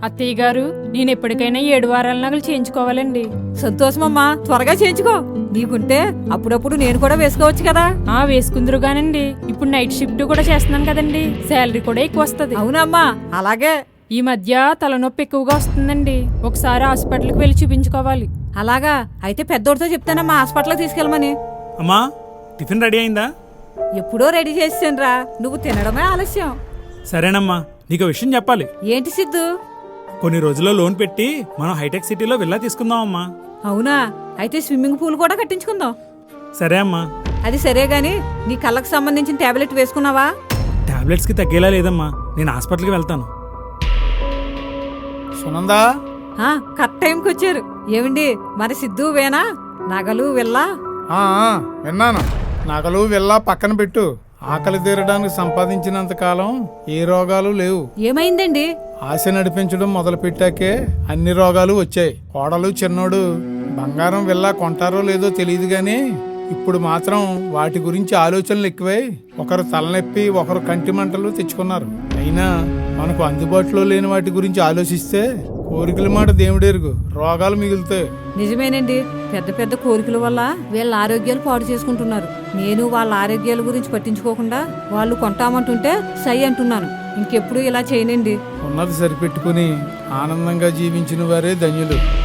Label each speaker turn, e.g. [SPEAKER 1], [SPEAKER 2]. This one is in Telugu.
[SPEAKER 1] అత్తయ్య గారు, నేను ఎప్పటికైనా 7 వారాల నగలు చేయించుకోవాలండి.
[SPEAKER 2] సంతోషమమ్మా, త్వరగా చేయించుకో. నీకుంటే అప్పుడప్పుడు నేను కూడా వేసుకోవచ్చు కదా.
[SPEAKER 1] వేసుకుందరుగానండి. ఇప్పుడు నైట్ షిఫ్ట్ కూడా చేస్తున్నాను కదండి, శాలరీ కూడా ఎక్కువ వస్తుంది.
[SPEAKER 2] అవునమ్మా, అలాగే.
[SPEAKER 1] ఈ మధ్య తలనొప్పి ఎక్కువగా వస్తుందండి. ఒకసారి హాస్పిటల్కి వెళ్ళి చూపించుకోవాలి.
[SPEAKER 2] అలాగా అయితే పెద్దోడితో చెప్తానమ్మా హాస్పిటల్కి తీసుకెళ్ళమని.
[SPEAKER 3] అమ్మా, టిఫిన్ రెడీ అయిందా?
[SPEAKER 2] ఎప్పుడో రెడీ చేసానురా, నువ్వు తినడమే ఆలస్యం.
[SPEAKER 3] సరేనమ్మా, నీకు విషయం చెప్పాలి.
[SPEAKER 2] ఏంటి సిద్ధు?
[SPEAKER 3] కొన్ని రోజుల్లో లోన్ పెట్టి మనం హైటెక్ సిటీలో విల్లా తీసుకుందాం అమ్మా.
[SPEAKER 2] అవునా, అయితే స్విమ్మింగ్ పూల్ కూడా కట్టించుకుందాం.
[SPEAKER 3] సరే అమ్మా.
[SPEAKER 2] అది సరే గాని నీ కళ్ళకు సంబంధించిన టాబ్లెట్ వేసుకున్నావా?
[SPEAKER 3] టాబ్లెట్స్కి తగ్గేలా లేదమ్మా, నేను హాస్పిటల్కి వెళ్తాను.
[SPEAKER 4] సునందా,
[SPEAKER 2] కరెక్ట్ టైంకి వచ్చారు. ఏమండి, మరి సిద్ధు వేనా నగలు వెళ్ళా?
[SPEAKER 4] విన్నాను. నగలు వెళ్ళా పక్కన పెట్టు. ఆకలి తీరడానికి సంపాదించినంత కాలం ఏ రోగాలు లేవు.
[SPEAKER 2] ఏమైందండి?
[SPEAKER 4] ఆశ నడిపించడం మొదలు పెట్టాకే అన్ని రోగాలు వచ్చాయి. కోడలు చిన్నోడు బంగారం వెళ్ళా కొంటారో లేదో తెలియదు గాని ఇప్పుడు మాత్రం వాటి గురించి ఆలోచనలు ఎక్కువై ఒకరు తలనొప్పి ఒకరు కంటి మంటలు తెచ్చుకున్నారు. అయినా మనకు అందుబాటులో లేని వాటి గురించి ఆలోచిస్తే కోరికల మాట దేవుడెరుగు, రోగాలు మిగులుతాయి.
[SPEAKER 2] నిజమేనండి, పెద్ద పెద్ద కోరికల వల్ల వీళ్ళ ఆరోగ్యాలు పాడు చేసుకుంటున్నారు. నేను వాళ్ళ ఆరోగ్యాల గురించి పట్టించుకోకుండా వాళ్ళు కొంటామంటుంటే సై అంటున్నాను. ఇంకెప్పుడు ఇలా చేయనండి.
[SPEAKER 4] ఉన్నది సరిపెట్టుకుని ఆనందంగా జీవించిన వారే ధన్యులు.